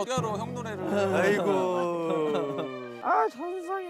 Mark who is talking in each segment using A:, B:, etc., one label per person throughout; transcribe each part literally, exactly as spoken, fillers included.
A: 어떻게 알아 형 노래를.
B: 아이고.
C: 아 천상에.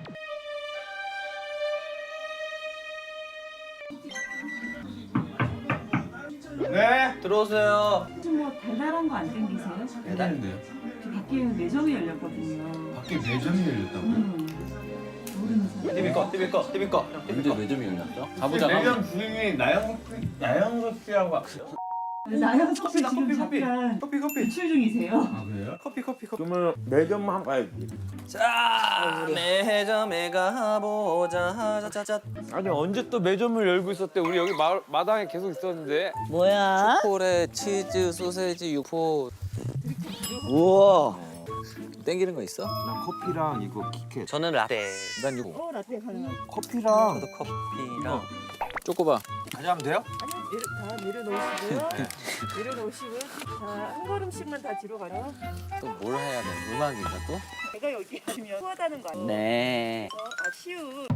B: 네.
A: 들어오세요.
D: 좀 뭐 달달한 거 안 땡기세요?
B: 배달인데요?
D: 저 밖에 매점이 열렸거든요.
B: 밖에 매점이 열렸다고?
D: 음. 모르는 사람.
A: 티비 꺼, 티비 꺼, 티비 꺼.
E: 언제 매점이 열렸죠?
A: 가보자.
B: 매점 주인이 나영석 나영석 씨라고.
D: 나영석 씨 지금
B: 커피, 커피.
D: 잠깐
B: 커피 커피.
D: 외출 중이세요.
B: 아 그래요?
A: 커피, 커피, 커피.
C: 그러면 매점 한 가야지.
A: 자, 매점에 가보자. 짜짜짜.
C: 아니 언제 또 매점을 열고 있었대? 우리 여기 마, 마당에 계속 있었는데.
F: 뭐야?
A: 초콜릿, 치즈, 소세지, 육포.
F: 우와.
A: 땡기는 거 있어?
C: 난 커피랑 이거 키캣.
A: 저는 라떼. 난 육포.
D: 어 라떼 가능하죠.
C: 커피랑.
A: 저도 커피랑. 쪼꼬바.
C: 가져가면 돼요?
D: 내려, 다 내려놓으시고요. 내려놓으시고요. 자한 걸음씩만 다 뒤로 가요.
A: 또 뭘 해야 돼? 음악인가 또?
D: 제가 여기 하시면 후하다는 거 아니에요?
F: 네.
D: 아 시우.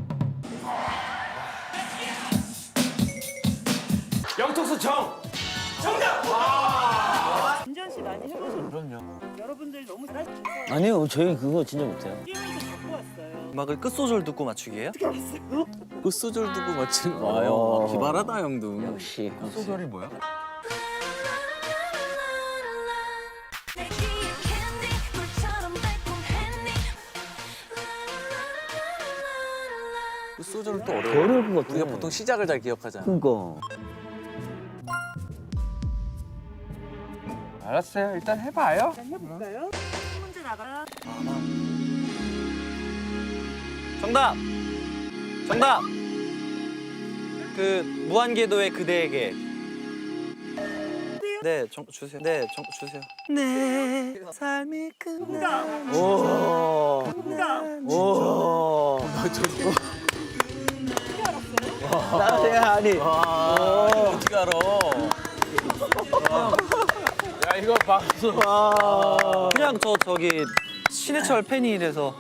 C: 영턱수 정.
D: 김전 씨 많이 해보셨죠?
C: 그럼요.
D: 여러분들 너무 잘하셔서
F: 아니요, 저희 그거 진짜 못해요.
D: 게임에서 갖고 왔어요.
A: 음악을 끝소절 듣고 맞추기예요?
D: 어떻게 알았어요?
A: 끝소절 듣고 맞추는
F: 와,
A: 거예요.
F: 형.
A: 기발하다 형도.
F: 역시.
C: 소설이 뭐야?
A: 끝소절은 또 어려워.
F: 어려울 것 같아.
A: 우리가 보통 시작을 잘 기억하잖아.
F: 그니까.
C: 알았어요. 일단 해봐요.
D: 일단 해볼까요? 첫 문제 나가요.
A: 정답! 정답! 그 무한궤도의 그대에게. 네, 정, 주세요. 네, 정, 주세요. 내 삶이 끝나.
F: 오.
D: 정답.
F: 오. 나한테 아니.
A: 어떻게 알아?
C: 야 이거 봤어.
F: 와.
A: 그냥 저 저기 신해철 팬이라서.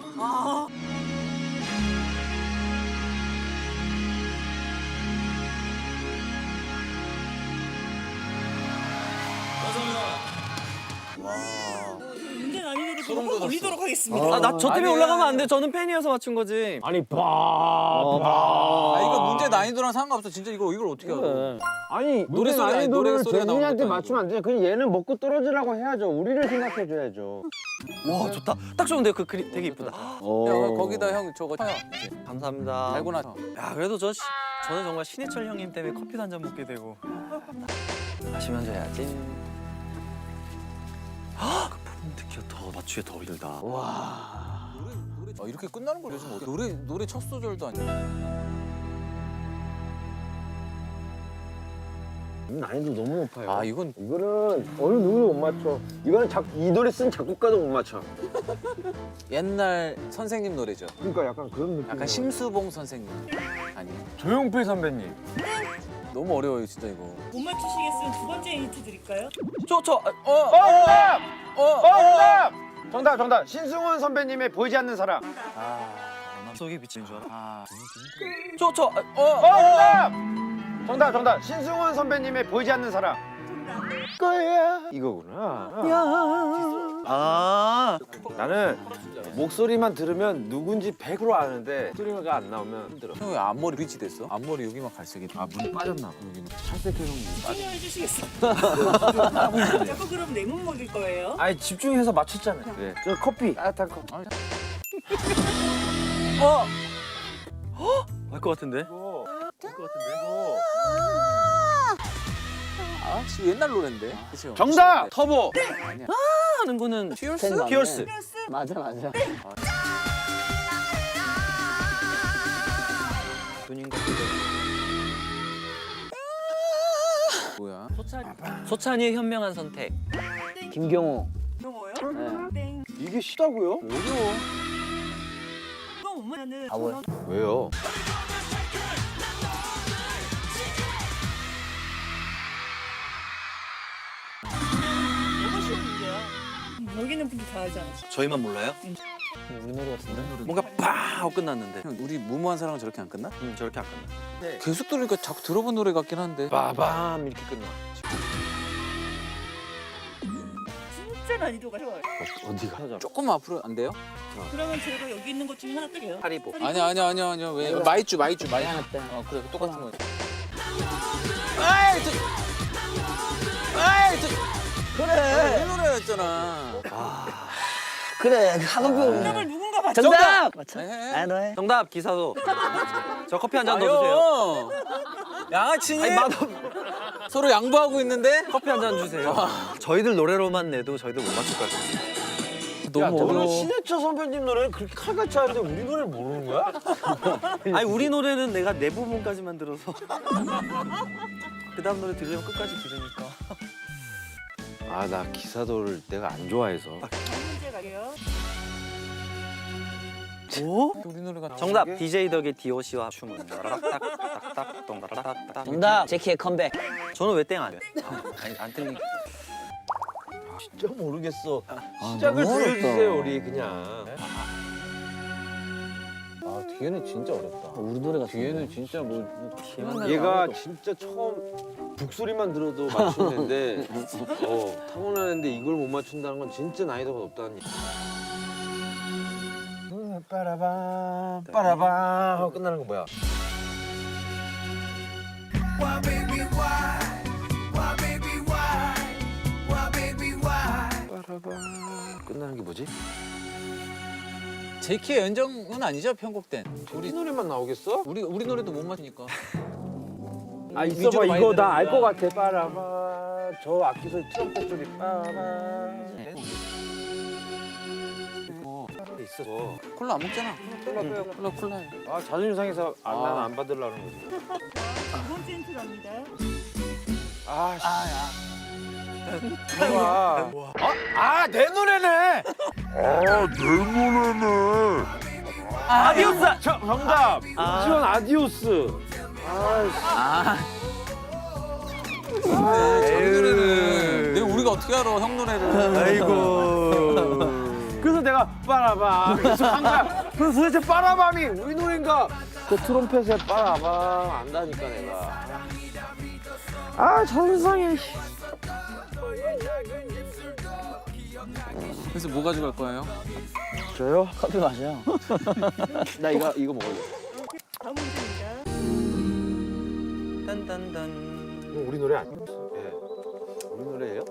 D: 문제 난이도를 조금 올리도록 하겠습니다.
A: 아, 나 저 때문에 올라가면 안 돼. 저는 팬이어서 맞춘 거지.
C: 아니 봐.
F: 어,
C: 봐.
A: 아, 이거 문제 난이도랑 상관없어. 진짜 이거 이걸 어떻게 알아?
F: 그래.
C: 아니
A: 노래
C: 노래
A: 소리 아니, 노래
C: 난이도를
A: 소리가 나오는
C: 재준이한테
A: 것도
C: 맞추면 안 돼. 그냥 얘는 먹고 떨어지라고 해야죠. 우리를 생각해줘야죠.
A: 와, 좋다. 딱 좋은데요. 그 그림 되게 이쁘다.
F: 오.
A: 야, 거기다 형 저거 쳐요. 감사합니다. 달고 나서. 야, 그래도 저 시, 저는 정말 신해철 형님 때문에 커피도 한 잔 먹게 되고. 마시면서 해야지. 아, 그 부분 특히가 더 맞추기 더 힘들다.
F: 와.
A: 노래 노래 아, 이렇게 끝나는 걸 요즘 어떻게 노래 노래 첫 소절도 아니야.
C: 난이도 너무 높아요.
A: 아, 이건
C: 이거는 어느 누구도 못 맞춰. 이거는 작, 이 노래 쓴 작곡가도 못 맞춰.
A: 옛날 선생님 노래죠.
C: 그러니까 약간 그런 느낌.
A: 약간 심수봉 선생님 아니에요?
C: 조용필 선배님.
A: 너무 어려워요, 진짜 이거.
D: 못 맞추시겠으면 두 번째 힌트 드릴까요?
A: 저 저 어.
C: 어, 정답!
A: 어.
C: 어, 정답! 정답, 정답. 신승훈 선배님의 보이지 않는 사람.
A: 아, 속에 비친 줄 알아. 아. 저 저 어.
C: 어, 정답! 정답, 정답. 신승훈 선배님의 보이지 않는 사람.
D: 정답.
C: 거야. 이거구나.
A: 아.
C: 나는 목소리만 들으면 누군지 백 퍼센트 아는데 소리가 안 나오면 힘들어.
A: 형 왜 앞머리 브릿지 됐어? 앞머리 여기만 갈색이.
C: 아, 물이 빠졌나 봐. 여기는 찰색해서
D: 설명해 주시겠어요? 자꾸 그럼 내 몸 먹일 거예요?
C: 아니, 집중해서 맞췄잖아요. 그래. 저 커피. 따뜻한 커피.
A: 어. 알 것 같은데?
C: 이거.
A: 알 것 같은데? 아, 지금 옛날 노래인데. 그렇죠?
C: 정답! 터보.
A: 아니야. 하는 거는 피어스?
F: 팬 맞네.
A: 피어스.
F: 맞아, 맞아.
A: 눈인 같은데. 뭐야? 소찬이의 현명한 선택.
F: 김경호.
D: 영어요?
F: 네.
D: 땡.
C: 이게 쉽다고요?
A: 어려워.
D: 이거 못 맞으면은
F: 아, 뭐야?
C: 왜요?
D: 너무 쉬운 문제야. 여기는 분들 다 알잖아.
A: 저희만 몰라요?
F: 우리 노래 같은데?
A: 뭔가 빡 하고 끝났는데. 형, 우리 무모한 사랑은 저렇게 안 끝나? 응, 저렇게 안 끝나. 계속 들으니까 자꾸 들어본 노래 같긴 한데.
C: 빠밤 이렇게 끝나.
D: 진짜 난이도가 쉬워요.
C: 어디가?
E: 조금 앞으로 안 돼요?
D: 그러면 제가 여기 있는 것 중에 하나 뜰게요.
A: 하리보.
E: 아니야 아니야 아니야 아니야 왜 마이쮸 마이쮸 마이쮸
F: 하나 때.
E: 어 그래 똑같은 거 아이 저 아이 저
F: 그래.
E: 이 노래였잖아
F: 그래. 학원표.
D: 정답을 누군가 맞춰.
F: 정답. 맞춰.
E: 해.
F: 아, 너 해.
A: 정답 기사도. 저 커피 한 잔 더 주세요.
E: 양아치니?
A: 아니 맛없.
E: 서로 양보하고 있는데?
A: 커피 한 잔 주세요. 저희들 노래로만 내도 저희들 못 맞출 것 같아요.
E: 너무
C: 야, 너는
E: 어려워
C: 신해철 선배님 노래를 그렇게 칼같이 하는데 우리 노래를 모르는 거야?
A: 아니 우리 노래는 내가 내 부분까지만 들어서 그 다음 노래 들으면 끝까지 들으니까.
C: 아, 나 기사도를 내가 안 좋아해서.
D: 문제 가게요.
A: 오?
E: 우리 노래가
A: 정답 디제이 덕의 디오씨와 춤은 따라락딱딱딱 동따라락딱.
F: 정답. 제키의 컴백.
A: 저는 왜 땡 안 해? 아니 안 틀린.
C: 진짜 모르겠어.
F: 아,
C: 시작을
F: 너무 어렵다.
C: 들려주세요, 우리 그냥.
E: 아 뒤에는 진짜 어렵다
F: 우리 노래가
E: 뒤에는 진짜 뭐, 뭐
C: 얘가 진짜 처음 북소리만 들어도 맞추는데 어, 타고나는데 이걸 못 맞춘다는 건 진짜 난이도가 높다는 얘기. 빠라밤 빠라밤 하고 끝나는 거 뭐야? 빠라밤 끝나는 게 뭐지?
E: 제키의 연정은 아니죠 편곡된
C: 우리 노래만 나오겠어?
E: 우리 우리 노래도 못 맞으니까
C: 아
E: 위주로
C: 있어봐
E: 많이
C: 이거 나 알 것
E: 들으니까.
C: 같아. 빠라밤 저 악기 소리 트럼펫 소리 빠라밤 있어.
E: 콜라 안 먹잖아
C: 콜라 빼요.
E: 콜라 콜라
C: 아 자존심 상해서 아,
E: 아.
C: 나는 안 받으려는 거지.
D: 두 번째 힌트 갑니다.
C: 아 씨. 좋아. 아내 노래네.
A: 아디오스.
C: 저, 정답.
A: 아.
C: 지원 아디오스. 아,
E: 아, 저희 노래는 내가 우리가 어떻게 알아 형 노래를
A: 아이고.
C: 그래서 내가 빠라밤 계속 한 거야. 그래서 도대체 빠라밤이 우리 노래인가? 그 트럼펫에 빠라밤 안다니까 내가. 아 자존상해.
E: 그래서 뭐 가져갈 거예요?
C: 저요?
F: 커피 마셔.
C: 나 이거 이거 먹을래.
D: 다음 문제입니다.
A: 딴딴딴.
C: 이거 우리 노래 아니야? 예. 우리 노래예요?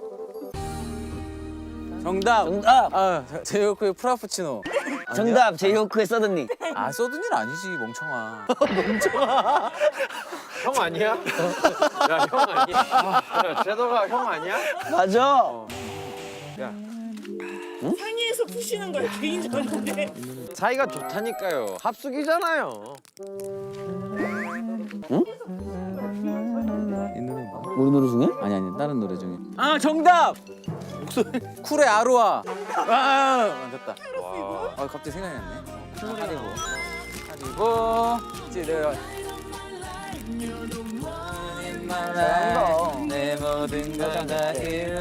E: 정답
F: 정답.
E: 아 제이호크의 프라푸치노
F: 정답. 제이호크의 서든니.
E: 아 써둔 일 아니지 멍청아
C: 형 아니야? 야 형 아니야? 야 제도가 형 아니야?
F: 맞아.
C: 야
D: 상의에서 푸시는 거예요 개인적인데.
C: 사이가 좋다니까요. 합숙이잖아요.
E: 이 노래 뭐?
F: 우리 노래 중에?
E: 아니 아니 다른 노래 중에 아 정답 목소리 쿨의 아로하 아 맞았다
C: 와.
E: 아 갑자기 생각이 났네 하리보 하리보 이제 내가 내 모든 걸 다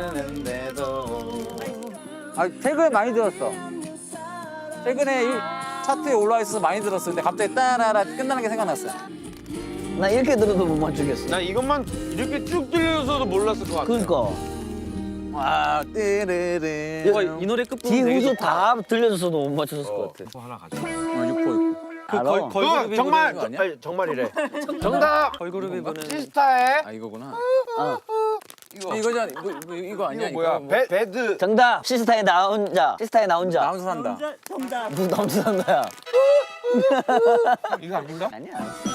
E: 잃는데도 아 최근에 많이 들었어 최근에 이 차트에 올라와 있어서 많이 들었어 근데 갑자기 따라라 끝나는 게 생각났어
F: 나 이렇게 들어도 못 맞추겠어.
C: 나 이것만 이렇게 쭉 들려서도 몰랐을 것 같아.
F: 그러니까.
E: 와 띠르르
A: 와, 이 노래 끝부분
F: 뒤
A: 되게
F: 후수
A: 좋다.
F: 다 들려줬어도 못 맞췄을 것 같아.
C: 또 하나 가져.
E: 어, 육포 있고
A: 그
F: 알아.
A: 걸,
C: 그
A: 걸그룹이
C: 정말
E: 부르는 거 아니야?
C: 아니, 정말이래. 정답.
A: 걸그룹이 부르는
C: 시스타의
E: 아 이거구나
F: 어.
C: 이거
E: 이거잖아 이거, 이거, 이거 아니야
C: 이거 뭐야?
E: 뭐,
C: 배 배드.
F: 정답. 시스타의 나 혼자. 시스타의 나 혼자.
E: 나 혼자 산다
D: 남자 정답.
F: 누구 나 혼자 산다야.
C: 이거 아닌가?
F: 아니야.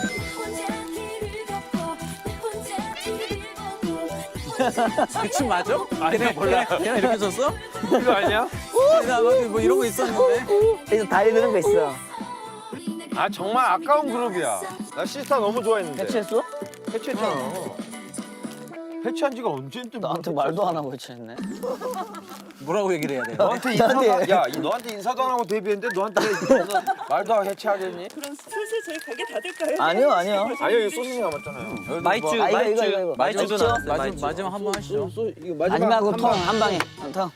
E: 그춤 맞아?
C: 아니야 몰라.
E: 걔네 이렇게 줬어?
C: 이거 아니야?
E: 나 나도 뭐 이런 거 있었는데
F: 여기서 다리 드는 거 있어.
C: 아 정말 아까운 그룹이야. 나 시스타 너무 좋아했는데.
F: 해체했어?
C: 해체했잖아. 해체한 지가 언제인데
F: 나한테 말도 안 하고 해체했네.
E: 뭐라고 얘기를 해야 돼?
C: 너한테 인사도
F: 나한테-
C: 야 이- 너한테 인사도 안 하고 데뷔했는데 너한테 인사- 말도 안 하고 해체하겠니?
D: 그럼 슬슬 저희 가게 닫을까요?
F: 아니요, 아니요.
C: 아니요 이거 소시지 남았잖아요.
A: 마이쮸,
F: 아, 이거, 이거,
A: 마이쮸,
F: 이거, 이거.
A: 마이쮸도
F: 마이쮸?
A: 나왔어요.
E: 마지막
A: 마이쮸.
E: 마지막 한 번 하시죠.
C: 소, 이거
F: 마지막으로
C: 한
F: 통
C: 방.
F: 한 방에. 통.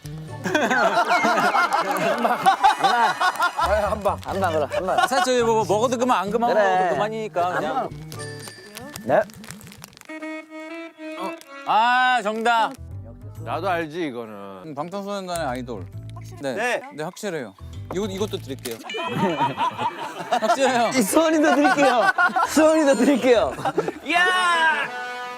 C: 아, 한 방.
F: 한 방 그래. 한 방.
E: 사실 뭐 먹어도 그만 안 그만
F: 그래.
E: 먹어도 그만이니까
F: 한
E: 그냥.
F: 방. 네.
E: 아 정답.
C: 나도 알지 이거는.
E: 음, 방탄소년단의 아이돌. 네.
A: 네.
E: 네, 확실해요. 이거 이것도 드릴게요. 확실해요.
F: 이 수원이도 드릴게요. 수원이도 드릴게요.
C: 야!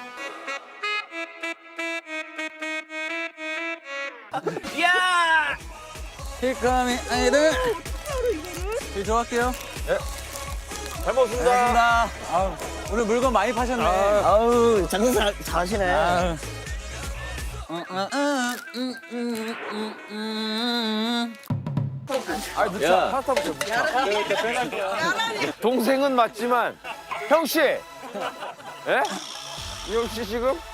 C: 야!
E: 힐카미 아이돌. 네, 들어갈게요.
C: 잘 먹었습니다.
E: 고맙습니다. 아유, 오늘 물건 많이 파셨네.
F: 아우 장사 잘, 잘하시네.
E: 아유. 음, 음, 음, 음, 음, 음.
C: 아, 늦자. 파스타부터 동생은 맞지만 형 씨. 예? 이형 씨 지금